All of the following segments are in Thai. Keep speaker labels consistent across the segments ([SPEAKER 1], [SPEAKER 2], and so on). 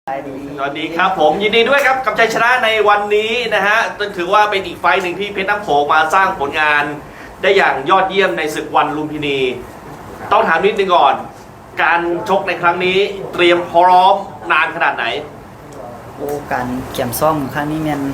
[SPEAKER 1] สวัสดีครับผมยินดีด้วยครับกับชัยชนะในวันนี้นะฮะถือว่าเป็นอีกไฟต์หนึ่งที่เพชรน้ำโขงมาสร้างผลงานได้อย่างยอดเยี่ยมในศึกวันลุมพินีต้องถามนิดนึงก่อนการชกในครั้งนี้เตรียมพร้อมนานขนาดไหน
[SPEAKER 2] โอ้การเกี่ยมซ่องครั้งนี้มัน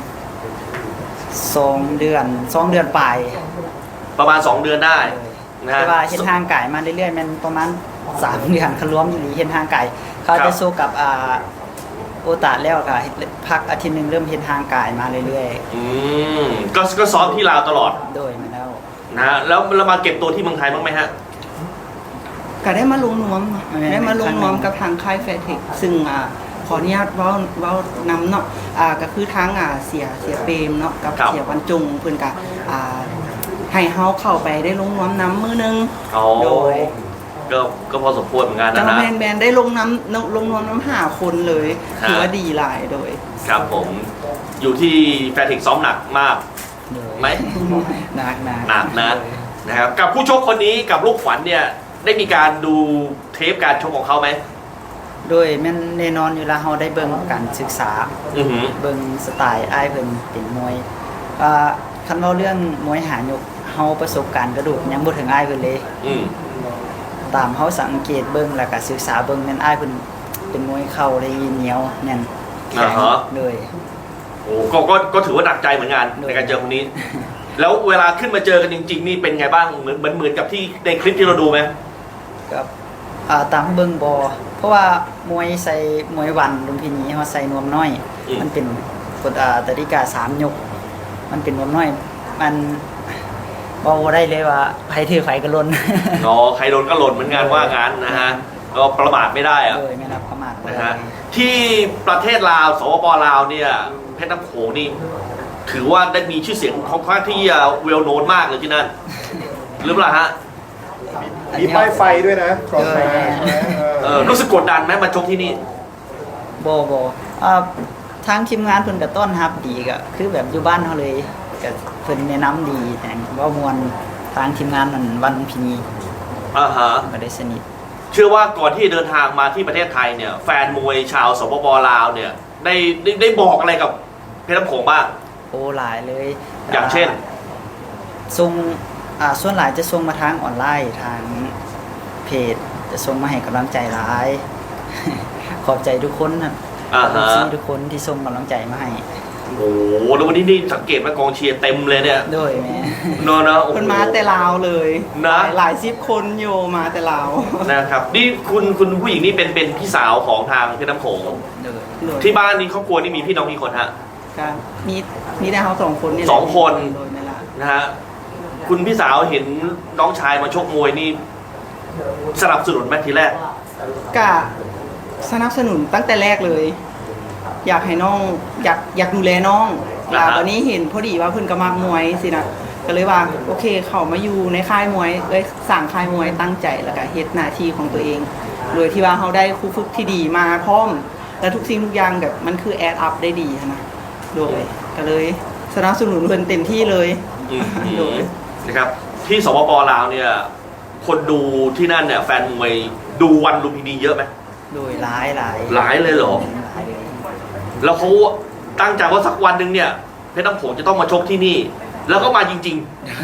[SPEAKER 2] 2 เดือนปลาย
[SPEAKER 1] ประมาณ2 เดือนได้นะ
[SPEAKER 2] แต่ว่าเห็นทางไก่มาเรื่อยๆมันประมาณ3 เดือนคันรวมอยู่เห็นทางไก่เขาจะสู้กับโอตาแล้วค่ะพักอาทิตย์นึงเริ่มเห็นทางกายมาเรื่อย
[SPEAKER 1] ๆก็ซ้อมที่ลาวตลอด
[SPEAKER 2] โดยมาแล้ว
[SPEAKER 1] นะแล้วเรามาเก็บตัวที่เมืองไทยบ้างไหมฮะ
[SPEAKER 3] ก็ได้มาลงนวมกับทางค่ายแฟร์เทคซึ่งขออนุญาตเว้านำเนาะก็คือทางเสียเปรมเนาะกับเสียบรรจงเพื่อนกับให้เฮาเข้าไปได้ลงนวมน้ำมือนึงโดย
[SPEAKER 1] ก็พอสมควรเหมือนกันนะ
[SPEAKER 3] แมนได้ลงนวมน้ำ5 คนเลยถือว่าดีหลายโดย
[SPEAKER 1] ครับผมอยู่ที่แฟร์เทคซ้อมหนักมากไหม
[SPEAKER 3] หนัก
[SPEAKER 1] นะครับกับผู้ชกคนนี้กับลูกขวัญเนี่ยได้มีการดูเทปการชกของเขาไหม
[SPEAKER 2] โดยแม่นแน่นอนอยู่แล้วเราได้เบิ่งการศึกษาเบิ่งสไตล์อ้ายเพิ่นเป็นมวยคันเราเรื่องมวยหายกเฮาประสบการณ์กระดูกยังบ่ถึงอ้ายเพิ่นเลยตามเฮาสังเกตเบิ่งแล้วก็ศึกษาเบิ่งแม่นอ้ายเพิ่นเป็นมวยเข่าได้เหนียวแน่นเลย
[SPEAKER 1] โอ้ก็ถือว่าหนักใจเหมือนกันในการเจอคนนี้แล้วเวลาขึ้นมาเจอกันจริงๆนี่เป็นไงบ้างเหมือนกับที่ในคลิปที่เราดูไหม
[SPEAKER 2] ครับตามเบิ่งบ่เพราะว่ามวยใส่มวยวันลุมพินีเฮาใส่นวมน้อยมันเป็นกฎกติกา3 ยกมันเป็นนวมน้อยมันบ่ได้เลยว่าใครถือไฟก็หล่น
[SPEAKER 1] ใครโดนก็หล่นเหมือนกันว่างั้นนะฮะก็ประมาทไม่ได้อะ
[SPEAKER 2] ไม่นับประมาท
[SPEAKER 1] นะฮะที่ประเทศลาวสปป.ลาวเนี่ยเพชรน้ำโขงนี่ถือว่าได้มีชื่อเสียงค่อนข้างที่เวลโนนมากเลยที่นั่นหรือเปล่าฮะ
[SPEAKER 4] มีป้ายไฟด้วยนะกรอบมา
[SPEAKER 1] รู้สึกกดดันไหมมาชกที่นี่
[SPEAKER 2] บ่ทางทีมงานเพิ่นก็ต้อนรับดีก็คือแบบอยู่บ้านเฮาเลยก็เพิ่นแนะนำดีแต่ว่ามวลทางทีมงานนั้นวันพินีก็ได้สนิท
[SPEAKER 1] เชื่อว่าก่อนที่เดินทางมาที่ประเทศไทยเนี่ยแฟนมวยชาวสปป.ลาวเนี่ยได้บอกอะไรกับเพชรน้ำโขงบ้าง
[SPEAKER 2] โอ้หลายเลย
[SPEAKER 1] อย่างเช่น
[SPEAKER 2] ส่งส่วนหลายจะส่งมาทางออนไลน์ทางเพจจะส่งมาให้กำลังใจหลายขอบใจทุกคนนะทุกคนที่ส่งกำลังใจมาให้
[SPEAKER 1] โอ้แล้ววันนี้นี่สังเกตว่ากองเชียร์เต็มเลยเนี่ย
[SPEAKER 2] ด้วยแม่
[SPEAKER 1] นะ
[SPEAKER 3] คนมาแต่ลาวเลยนะหลาย10 คนโยมาแต่ลาว
[SPEAKER 1] นะครับนี่คุณผู้หญิงนี่เป็นพี่สาวของทางเพชรน้ำโขงที่บ้านนี้ครอบครัวนี่มีพี่น้องกี่คนฮะ
[SPEAKER 3] มีแต่เขา2 คนนี่
[SPEAKER 1] 2 คนนะฮะคุณพี่สาวเห็นน้องชายมาชกมวยนี่สนับสนุนไหมทีแรก
[SPEAKER 3] ก็สนับสนุนตั้งแต่แรกเลยอยากให้น้องอยากดูแลน้องแล้ววันนี้เห็นพอดีว่าเพิ่นก็มักมวยสินะก็เลยว่าโอเคเขามาอยู่ในค่ายมวยสั่งค่ายมวยตั้งใจแล้วก็เฮ็ดหน้าที่ของตัวเองโดยที่ว่าเขาได้ครูฝึกที่ดีมาพร้อมและทุกสิ่งทุกอย่างแบบมันคือแอดอัพได้ดีนะโดยก็เลยสนับสนุนเพิ่นเต็มที่เลย
[SPEAKER 1] โดยนะครับที่สปป.ลาวเนี่ยคนดูที่นั่นเนี่ยแฟนมวยดูวันลุมพินีเยอะไหม
[SPEAKER 2] โดยหลาย
[SPEAKER 1] เลยเหรอแล้วเขาตั้งใจว่าสักวันหนึ่งเนี่ยเพชรน้ำโขงจะต้องมาชกที่นี่แล้วก็มาจริง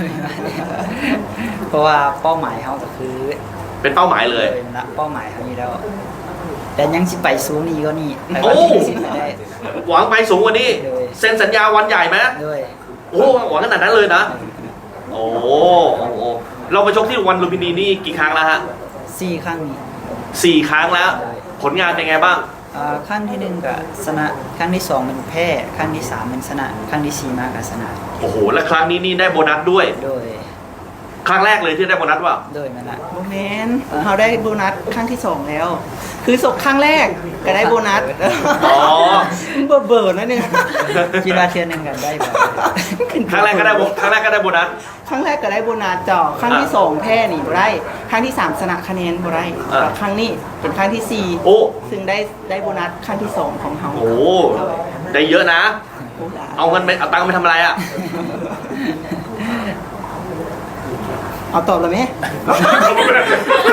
[SPEAKER 2] ๆเพราะว่าเป้าหมายเขาก็คือ
[SPEAKER 1] เป็นเป้าหมายเลย
[SPEAKER 2] นะเป้าหมายเขาอยู่แล้วแต่ยังสิไปสูงนี่ก็นี่
[SPEAKER 1] โอ้หวังไปสูงกว่านี้เซ็นสัญญาวันใหญ่ไหมโอ้หวังขนาดนั้นเลยนะโอ้เราไปชกที่วันลุมพินีนี่กี่ครั้งแล้วฮะ
[SPEAKER 2] 4 ครั้งนี่
[SPEAKER 1] 4 ครั้งแล้วผลงานเป็นไงบ้าง
[SPEAKER 2] ครั้งที่1ก็ชนะครั้งที่2มันแพ้ครั้งที่3มันชนะครั้งที่4มาก็ชนะ
[SPEAKER 1] โอ้โหและครั้งนี้นี่ได้โบนัสด้วย
[SPEAKER 2] โดย
[SPEAKER 1] ครั้งแรกเลยที่ได้โบนัสว่า
[SPEAKER 2] โดยนั่นแหละ
[SPEAKER 3] โบแมนเขาได้โบนัสครั้งที่2แล้วคือศกครั้งแรกก็ได้โบนัสเบิร์นั่นเอง
[SPEAKER 2] คิดว่าเชื่อนึงกันได้บ่
[SPEAKER 1] ครั้งแรกก็ได้โบนัสครั้งแรกก็ได้โบนัส
[SPEAKER 3] จ่อครั้งที่2แพ้หนีบ่ได้ครั้งที่3ชนะคะแนนบ่ได้ครั้งนี้เป็นครั้งที่4ซึ่งได้โบนัสครั้งที่2ของเขา
[SPEAKER 1] โอ้ได้เยอะนะเอาเงินไปเอาตังค์ไปทำอะไรอ่ะ
[SPEAKER 3] เอาตอบเลยไหม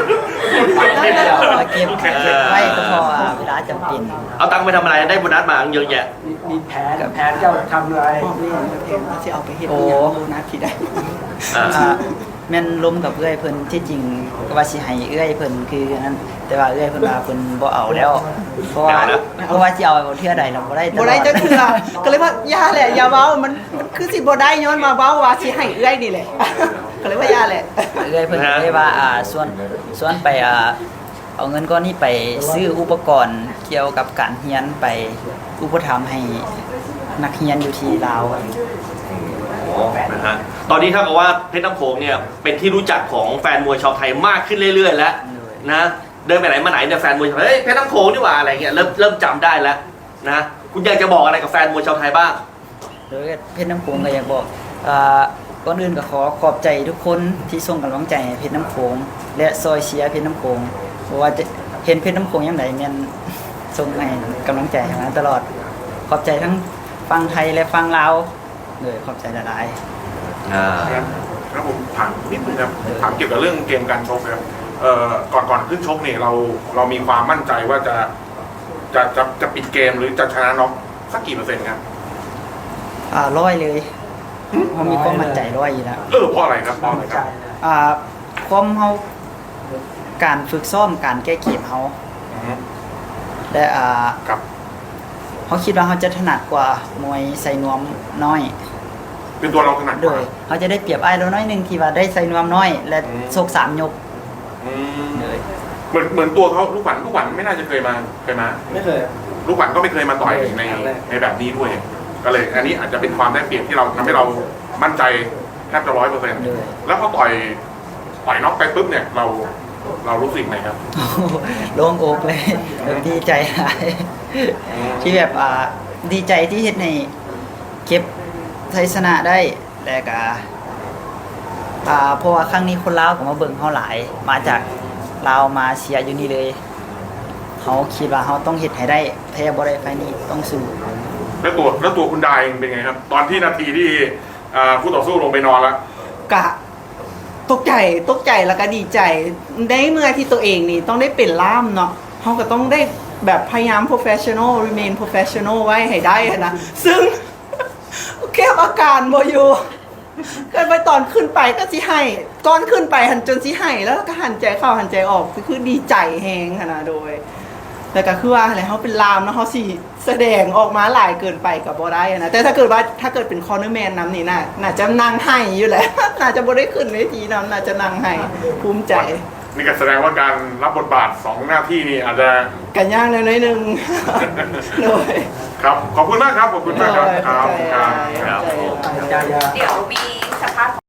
[SPEAKER 2] เก็บไว้ก็พอเวลาจำเป็น
[SPEAKER 1] เอาตังค์ไปทำอะไรได้โบนัสมาเยอะแยะ
[SPEAKER 5] มีแผนเจ้าทำอะไร
[SPEAKER 3] พ่อแม่เพลงที่เอาไปเฮ็ดอีหยังโบนัสที่ได้
[SPEAKER 1] อ่า
[SPEAKER 2] แม่นล้มกับเอื้อยเพิ่นที่จริงก็ว่าสิให้เอื้อยเพิ่นคือนั้นแต่ว่าเอื้อยเพิ่นว่าเพิ่นบ่เอาแล้วเพราะว่าสิเอาเทื่อใดเราบ่ได้ตลอ
[SPEAKER 3] บ่ได้จักเทื่อก็เลยว่าอย่าแหละอย่าเว้ามันคือสิบ่ได้ย้อนมาเว้าว่าสิให้เอื้อยนี่แหละ ก็เลยว่าอย่าแหละ
[SPEAKER 2] เอื้อยเพิ่นก็เลยว่าส่วนไปเอาเงินก้อนนี้ไปซื้ออุปกรณ์เกี่ยวกับการเรียนไปอุปถัมภ์ให้นักเรียนอยู่ที่ลาว
[SPEAKER 1] นะฮะตอนนี้เท่ากับว่าเพชรน้ำโขงเนี่ยเป็นที่รู้จักของแฟนมวยชาวไทยมากขึ้นเรื่อยๆแล้วนะเดินไปไหนมาไหนเนี่ยแฟนมวยชาวไทยเฮ้ยเพชรน้ำโขงนี่หว่าอะไรเงี้ยเริ่มจำได้แล้วนะคุณอยากจะบอกอะไรกับแฟนมวยชาวไทยบ้าง
[SPEAKER 2] โดยเพชรน้ำโขงก็อยากบอกก่อนอื่นก็ขอบใจทุกคนที่ส่งกำลังใจให้เพชรน้ำโขงและซอยเชียร์เพชรน้ำโขงเพราะว่าจะเห็นเพชรน้ำโขงยังไงแม่นส่งให้กำลังใจมาตลอดขอบใจทั้งฟังไทยและฟังลาวเลยขอบใจหลายๆ
[SPEAKER 4] ครับผมถามนิดนึงครับถามเกี่ยวกับเรื่องเกมการชกครับก่อนขึ้นชกเนี่ยเรามีความมั่นใจว่าจะปิดเกมหรือจะชนะน็อกสักกี่เปอร์เซ็นต์ครับ
[SPEAKER 2] ร้อยเลยเขามีความมั่นใจร้อยอยู่แล้ว
[SPEAKER 4] เพราะอะไรครับเพราะอะไรครับ
[SPEAKER 2] ความเขาการฝึกซ้อมการแก้เกมเขา
[SPEAKER 4] อือฮึ
[SPEAKER 2] และ
[SPEAKER 4] ครับ
[SPEAKER 2] เขาคิดว่าเขาจะถนัดกว่ามวยใส่นวมน้อย
[SPEAKER 4] เป็นตัวเราถนัดก
[SPEAKER 2] โด
[SPEAKER 4] ว่าย
[SPEAKER 2] เขาจะได้เปรียบไอ้เราน้อยหนึ่งที่ว่าได้ใส่นวมน้อย และโชก3 ยก
[SPEAKER 4] อืม
[SPEAKER 2] เลย
[SPEAKER 4] เหมือนตัวเขาลูกหวันไม่น่าจะเคยมา
[SPEAKER 5] ไม่เคย
[SPEAKER 4] ลูกหวันก็ไม่เคยมาต่อยใน
[SPEAKER 5] ครั้งแรก
[SPEAKER 4] ในแบบนี้ด้วย ก็เลยอันนี้อาจจะเป็นความได้เปรียบที่เราทำให้เรามั่นใจแทบจะ100%แล้วพอต่อยน็อกไปปุ๊บเนี่ยเรารู้สึกไงครับ
[SPEAKER 2] โล่งอกเลยแบบดีใจหายที่แบบดีใจที่เฮ็ดในเก็บไทยชนะได้แต่ก็เพราะว่าครั้งนี้คนลาวก็มาเบิ่งเฮาหลาย มาจากลาวมาเชียร์อยู่นี่เลยเขาคิดว่าเขาต้องเฮ็ดให้ได้แพ้บ่ได้ไฟล์นี้ต้องสู้
[SPEAKER 4] แล้วตัวคุณดายเป็นไงครับ ตอนที่นาทีที่ผู้ต่อสู้ลงไปนอนแล้ว
[SPEAKER 3] กะตกใจแล้วก็ดีใจในเมื่อที่ตัวเองนี่ต้องได้เป็นล่ามเนาะเขาก็ต้องได้แบบพยายาม professional remain professional ไว้ให้ได้นะซึ่ง เก็บอาการบ่อยู่ก็ไปตอนขึ้นไปก็สิให้ก่อนขึ้นไปหันจนสิให้แล้วก็หันใจเข้าหันใจออกคือดีใจแฮงขนาดโดยแต่ก็คือว่าอะไรเขาเป็นลามนะเขาสิแสดงออกมาหลายเกินไปกับบ่ได้นะแต่ถ้าเกิดเป็นคอร์เนอร์แมนนำนี่น่าจะนั่งให้อยู่แหละ น่าจะบ่ได้ขึ้นเวทีนำน่าจะนั่งให้ภูมิใจ
[SPEAKER 4] นี่ก็แสดงว่าการรับบทบาท2หน้าที่นี่อาจจะ
[SPEAKER 3] กันย่างเลยน้อยหนึง โดย
[SPEAKER 4] ครับขอบคุณมากครับขอบคุณมากครับ
[SPEAKER 3] โดย
[SPEAKER 4] ครับ
[SPEAKER 3] เข้าใจ
[SPEAKER 4] ครับ
[SPEAKER 3] เข้าใจ
[SPEAKER 5] ใจ
[SPEAKER 6] เดี๋ยวมีสัมภาษณ์